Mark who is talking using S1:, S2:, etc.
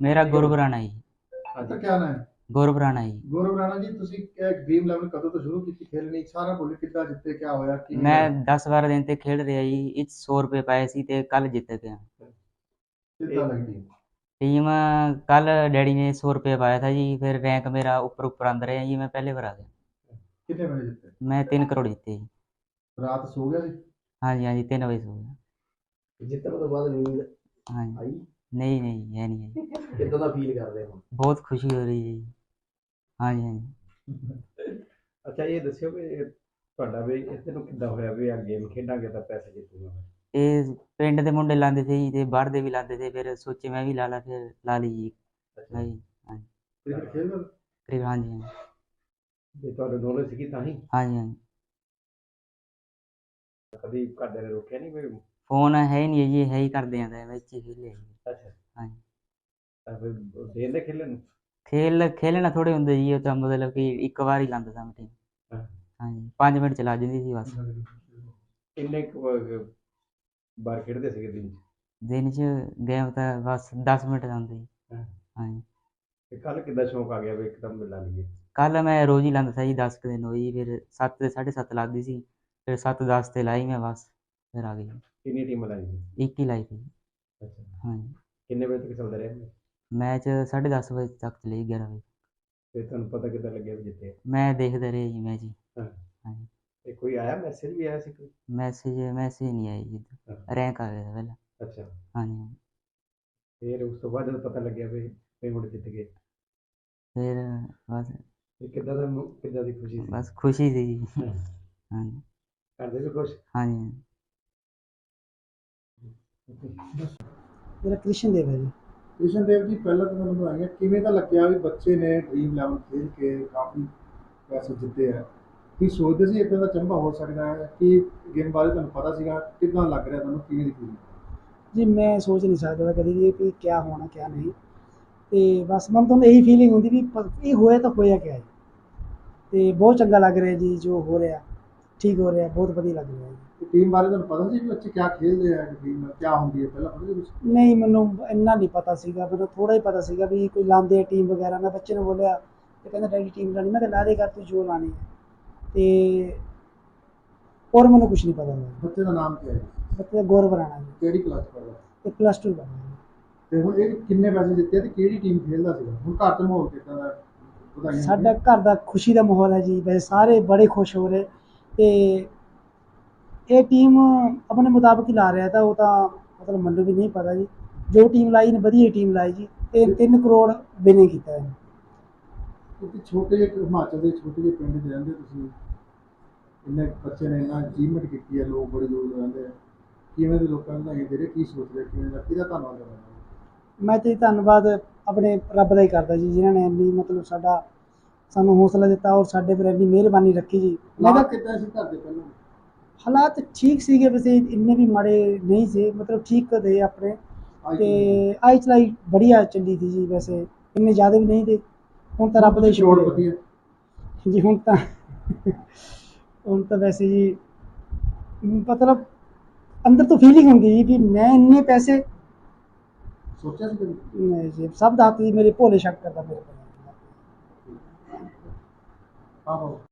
S1: ਮੇਰਾ ਗੁਰਬ ਰਾਣਾ ਜੀ।
S2: ਤਾਂ ਕਿਆ ਨਾਮ ਹੈ?
S1: ਗੁਰਬ ਰਾਣਾ ਜੀ।
S2: ਗੌਰਵ ਰਾਣਾ ਜੀ, ਤੁਸੀਂ ਇਹ ਡ੍ਰੀਮ 11 ਕਦੋਂ ਤੋਂ ਸ਼ੁਰੂ ਕੀਤੀ ਖੇਲਣੀ? ਸਾਰਾ ਬੋਲੇ ਕਿੱਦਾਂ ਜਿੱਤੇ, ਕਿਆ ਹੋਇਆ, ਕਿਵੇਂ
S1: ਮੈਂ
S2: ਹੋਇਆ?
S1: 10-12 ਦਿਨ ਤੇ ਖੇਡ ਰਿਹਾ ਜੀ। ਇਹ 'ਚ 100 ਰੁਪਏ ਪਾਏ ਸੀ ਤੇ ਕੱਲ ਜਿੱਤ ਗਿਆ।
S2: ਕਿੱਦਾਂ ਲੱਗਦੀ?
S1: ਟੀਮ ਕੱਲ ਡੈਡੀ ਨੇ 100 ਰੁਪਏ ਪਾਇਆ था जी, फिर रैंक मेरा ऊपर ऊपर आंदा रहा जी। मैं पहले बार आ गया।
S2: ਕਿੰਨੇ ਵਜੇ ਜਿੱਤੇ?
S1: मैं 3 करोड़ जीते जी।
S2: ਰਾਤ ਸੋ ਗਿਆ ਸੀ?
S1: हाँ जी, हाँ जी, 3 बजे सो गया।
S2: ਜਿੱਤਣ ਤੋਂ ਬਾਅਦ ਨੀਂਦ
S1: हाँ जी।
S2: ਆਈ?
S1: नहीं नहीं, है नहीं है जी।
S2: ਕਿੱਦਾਂ ਦਾ ਫੀਲ ਕਰਦੇ ਹੋ?
S1: बहुत खुशी हो रही है जी। हाँ जी, हाँ जी।
S3: ਅੱਛਾ ਇਹ ਦੱਸਿਓ ਵੀ ਤੁਹਾਡਾ ਵੀ ਇੱਥੇ ਨੂੰ ਕਿੱਦਾਂ ਹੋਇਆ ਵੀ ਆ ਗੇਮ ਖੇਡਾਂਗੇ ਤਾਂ ਪੈਸੇ ਜਿੱਤੂਗਾ ਮੈਂ?
S1: ਇਹ ਪਿੰਡ ਦੇ ਮੁੰਡੇ ਲਾਉਂਦੇ ਸੀ ਜੀ ਤੇ ਬਾਹਰ ਦੇ ਵੀ ਲਾਉਂਦੇ ਸੀ। ਫਿਰ ਸੋਚੇ ਮੈਂ ਵੀ ਲਾ ਲਾ, ਫਿਰ ਲਾ ਲਈ ਜੀ।
S3: ਅੱਛਾ
S1: हाँ जी, हाँ जी।
S2: ਕ੍ਰਿਕਟ ਖੇਡਦੇ ਹੋ?
S1: करीब हाँ जी, हाँ जी।
S3: ਜੇ ਤੁਹਾਨੂੰ ਨੌਲੇਜ ਸੀਗੀ ਤਾਂ ਹੀ
S1: हाँ जी, हाँ जी।
S3: ਕਦੀ ਘਰਦਿਆਂ ਨੇ ਰੋਕਿਆ ਨਹੀਂ ਵੀ?
S1: ਫੋਨ ਹੈ ਹੀ ਨਹੀਂ ਜੀ, ਹੈ ਹੀ ਕਰਦੇ ਆਂ ਵਿੱਚ ਹੀ ਖੇਲੇ ਜੀ।
S3: ਅੱਛਾ
S1: हाँ जी।
S3: ਤਾਂ ਫਿਰ ਦੇਰ ਦੇ ਖੇਲਣ ਨੂੰ?
S1: ਖੇਲਣਾ ਥੋੜੇ ਹੁੰਦੇ ਜੀ। ਉਹ ਤਾਂ ਮਤਲਬ ਕਿ ਇੱਕ ਵਾਰ ਹੀ ਲਾਉਂਦਾ ਸਾਂ ਟੀਮ।
S3: ਹਾਂ।
S1: हाँ जी, 5 ਮਿੰਟ ਚਲਾ ਜਾਂਦੀ ਸੀ ਬਸ।
S3: ਕਿੰਨੇ ਕੁ ਵਾਰ ਖੇਡਦੇ ਸੀਗੇ ਦਿਨ 'ਚ?
S1: ਦਿਨ 'ਚ ਗੇਮ ਤਾਂ ਬਸ 10 ਮਿੰਟ ਲਾਉਂਦੇ ਜੀ।
S3: ਹਾਂ।
S1: हाँ जी।
S3: ਤੇ ਕੱਲ ਕਿੱਦਾਂ ਸ਼ੌਂਕ ਆ ਗਿਆ ਵੀ ਇੱਕਦਮ ਲਾ ਲਈਏ?
S1: ਕੱਲ ਮੈਂ ਰੋਜ਼ ਹੀ ਲਾਉਂਦਾ ਸੀ ਜੀ। 10 ਕੁ ਦਿਨ ਹੋਈ, ਫਿਰ 7 ਤੇ 7:30 ਲੱਗਦੀ ਸੀ। ਫਿਰ 7:10 ਤੇ ਲਾਈ ਮੈਂ ਬਸ, ਫਿਰ ਆ ਗਈ।
S3: ਕਿੰਨੀ ਟੀਮਾਂ ਲਾਈ ਸੀ?
S1: ਇੱਕ ਹੀ ਲਾਈ ਸੀ।
S3: ਅੱਛਾ।
S1: हाँ जी।
S3: ਕਿੰਨੇ ਵਜੇ ਤੱਕ ਚੱਲਦਾ ਰਿਹਾ?
S1: मैच 10:30 ਵਜੇ ਤੱਕ ਚਲੀ, 11 ਵਜੇ।
S3: ਫਿਰ ਤੁਹਾਨੂੰ ਪਤਾ ਕਿੱਦਾਂ ਲੱਗਿਆ ਵੀ ਜਿੱਤੇ?
S1: ਮੈਂ ਦੇਖਦਾ ਰਿਹਾ ਜੀ ਮੈਚ ਜੀ।
S3: ਹਾਂ।
S1: हाँ जी।
S3: ਤੇ ਕੋਈ ਆਇਆ ਮੈਸੇਜ ਵੀ ਆਇਆ ਸੀ ਕੋਈ?
S1: मैसेज नहीं आया जी।
S3: ਹਾਂ।
S1: रैंक आ गया था पहले।
S3: ਅੱਛਾ।
S1: हाँ जी, हाँ जी।
S3: ਫਿਰ ਉਸ ਤੋਂ ਬਾਅਦ ਜਦੋਂ ਪਤਾ ਲੱਗਿਆ ਵੀ ਪੇਮੈਂਟ ਜਿੱਤ ਗਏ
S1: फिर बस
S3: ਤੇ ਕਿੱਦਾਂ ਦੀ ਖੁਸ਼ੀ ਸੀ?
S1: बस खुशी थी जी।
S3: ਹਾਂ।
S1: हाँ जी,
S3: ਘਰ ਦੇ ਵੀ ਖੁਸ਼?
S1: हाँ जी।
S4: ਮੇਰਾ ਕ੍ਰਿਸ਼ਨ ਦੇਵ ਹੈ ਜੀ।
S2: ਕ੍ਰਿਸ਼ਨ ਦੇਵ ਜੀ, ਪਹਿਲਾਂ ਤਾਂ ਤੁਹਾਨੂੰ ਵਧਾਈਆਂ। ਕਿਵੇਂ ਦਾ ਲੱਗਿਆ ਵੀ ਬੱਚੇ ਨੇ ਡ੍ਰੀਮ 11 ਖੇਡ ਕੇ ਕਾਫੀ ਪੈਸੇ ਜਿੱਤੇ ਆ? ਕੀ ਸੋਚਦੇ ਸੀ ਇੱਦਾਂ ਦਾ ਚੰਬਾ ਹੋ ਸਕਦਾ ਹੈ? ਕਿ ਗੇਮ ਬਾਰੇ ਤੁਹਾਨੂੰ ਪਤਾ ਸੀਗਾ? ਕਿੱਦਾਂ ਲੱਗ ਰਿਹਾ ਤੁਹਾਨੂੰ, ਕਿਵੇਂ ਦੀ ਫੀਲਿੰਗ?
S4: ਜੀ ਮੈਂ ਸੋਚ ਨਹੀਂ ਸਕਦਾ ਕਦੀ ਵੀ ਕਿ ਕਿਆ ਹੋਣਾ ਕਿਆ ਨਹੀਂ। ਤੇ ਬਸ ਮਨ ਤੋਂ ਇਹੀ ਫੀਲਿੰਗ ਹੁੰਦੀ ਵੀ ਇਹ ਹੋਇਆ ਤਾਂ ਹੋਇਆ ਕਿਆ ਹੈ। ਤੇ ਬਹੁਤ ਚੰਗਾ ਲੱਗ ਰਿਹਾ ਜੀ ਜੋ ਹੋ ਰਿਹਾ, ਠੀਕ ਹੋ ਰਿਹਾ, ਬਹੁਤ ਵਧੀਆ ਲੱਗ ਰਿਹਾ ਜੀ।
S2: ਟੀਮ ਬਾਰੇ ਤੁਹਾਨੂੰ ਪਤਾ ਸੀ ਵੀ ਬੱਚੇ ਕਿਆ ਖੇਡਦੇ ਆ, ਟੀਮ ਕਿਆ ਹੁੰਦੀ ਹੈ, ਪਹਿਲਾਂ ਪਤਾ ਸੀ ਕੁਛ?
S4: ਨਹੀਂ, ਮੈਨੂੰ ਇੰਨਾ ਨਹੀਂ ਪਤਾ ਸੀਗਾ। ਮੈਨੂੰ ਥੋੜ੍ਹਾ ਹੀ ਪਤਾ ਸੀਗਾ ਵੀ ਕੋਈ ਲਾਉਂਦੇ ਆ ਟੀਮ ਵਗੈਰਾ। ਮੈਂ ਬੱਚੇ ਨੂੰ ਬੋਲਿਆ ਤੇ ਕਹਿੰਦਾ ਡੈਡੀ ਟੀਮ ਲਾਉਣੀ। ਮੈਂ ਕਿਹਾ ਲਾ ਦੇ ਕਰ ਤੂੰ ਜੋ ਲਾਉਣੀ ਹੈ। ਤੇ ਹੋਰ ਮੈਨੂੰ ਕੁਛ ਨਹੀਂ ਪਤਾ ਲੱਗਾ।
S2: ਬੱਚੇ ਦਾ ਨਾਮ ਕੀ ਹੈ?
S4: ਬੱਚੇ ਦਾ ਗੌਰਵ ਰਾਣਾ ਜੀ।
S2: ਕਿਹੜੀ ਕਲਾਸ ਪੜ੍ਹਦਾ?
S4: ਤੇ +2 ਕਰਨਾ ਜੀ।
S2: ਤੇ ਹੁਣ ਇਹ ਕਿੰਨੇ ਪੈਸੇ ਜਿੱਤੇ ਤੇ ਕਿਹੜੀ ਟੀਮ ਖੇਡਦਾ ਸੀਗਾ? ਹੁਣ ਘਰ 'ਚ ਮਾਹੌਲ ਕਿੱਦਾਂ ਦਾ? ਵਧਾਈਆਂ
S4: ਸਾਡਾ ਘਰ ਦਾ ਖੁਸ਼ੀ ਦਾ ਮਾਹੌਲ ਹੈ ਜੀ। ਵੈਸੇ ਸਾਰੇ ਬੜੇ ਖੁਸ਼ ਹੋ ਰਹੇ। ਤੇ ਇਹ ਟੀਮ ਆਪਣੇ ਮੁਤਾਬਕ ਹੀ ਲਾ ਰਿਹਾ ਤਾਂ ਉਹ ਤਾਂ ਮਤਲਬ ਮੈਨੂੰ ਵੀ ਨਹੀਂ ਪਤਾ ਜੀ। ਜੋ ਟੀਮ ਲਾਈ ਨੇ ਵਧੀਆ ਟੀਮ ਲਾਈ ਜੀ। ਤੇ 3 ਕਰੋੜ ਵਿਨਿੰਗ ਕੀਤਾ ਹੈ।
S2: ਕਿਉਂਕਿ ਛੋਟੇ ਜਿਹੇ ਹਿਮਾਚਲ ਦੇ ਛੋਟੇ ਜਿਹੇ ਪਿੰਡ 'ਚ ਰਹਿੰਦੇ ਤੁਸੀਂ, ਇੰਨੇ ਬੱਚੇ ਨੇ ਇੰਨਾ ਅਚੀਵਮੈਂਟ ਕੀਤੀ ਹੈ, ਲੋਕ ਬੜੇ ਦੂਰ ਰਹਿੰਦੇ ਆ, ਕਿਵੇਂ ਦੇ ਲੋਕਾਂ ਨੂੰ ਵਧਾਈਆਂ ਦੇ ਰਹੇ? ਕੀ ਸੋਚ ਰਹੇ, ਕਿਵੇਂ ਦਾ, ਕਿਹਦਾ ਧੰਨਵਾਦ ਕਰਨਾ?
S4: ਮੈਂ ਤੇ ਧੰਨਵਾਦ ਆਪਣੇ ਰੱਬ ਦਾ ਹੀ ਕਰਦਾ ਜੀ, ਜਿਨ੍ਹਾਂ ਨੇ ਇੰਨੀ ਮਤਲਬ ਸਾਨੂੰ ਹੌਸਲਾ ਦਿੱਤਾ ਔਰ ਸਾਡੇ ਪਰ ਇੰਨੀ ਮਿਹਰਬਾਨੀ ਰੱਖੀ ਜੀ। ਮੈਂ
S2: ਹਾਲਾਤ
S4: ਤਾਂ
S2: ਕਿੱਦਾਂ ਸੀ ਘਰ ਦੇ ਪਹਿਲਾਂ?
S4: ਹਾਲਾਤ ਠੀਕ ਸੀਗੇ, ਵੈਸੇ ਇੰਨੇ ਵੀ ਮਾੜੇ ਨਹੀਂ ਸੀ, ਮਤਲਬ ਠੀਕ थे ਆਪਣੇ। ਤੇ ਆਈ ਚਲਾਈ ਬੜੀਆ ਚੱਲੀ ਸੀ ਜੀ। ਵੈਸੇ ਇੰਨੇ ਜ਼ਿਆਦਾ ਵੀ ਨਹੀਂ ਤੇ ਹੁਣ ਤਾਂ ਰੱਬ ਦਾ ਹੀ ਸ਼ੁਕਰ
S2: ਕਰੋੜਪਤੀ
S4: ਹੈ
S2: ਹੈ।
S4: ਜੀ। ਹੁਣ ਤਾਂ ਵੈਸੇ ਜੀ ਮਤਲਬ ਅੰਦਰ ਤੋਂ ਫੀਲਿੰਗ ਹੁੰਦੀ ਜੀ ਵੀ ਮੈਂ ਇੰਨੇ ਪੈਸੇ
S2: ਸੋਚਿਆ ਸੀ ਕਦੇ?
S4: ਨਹੀਂ ਜੀ। ਸਭ ਦਾ ਹੱਥ ਜੀ ਮੇਰੇ ਭੋਲੇ ਸ਼ੰਕਰ ਦਾ ਮੇਰੇ ਕੋਲ।
S2: ਆਹੋ।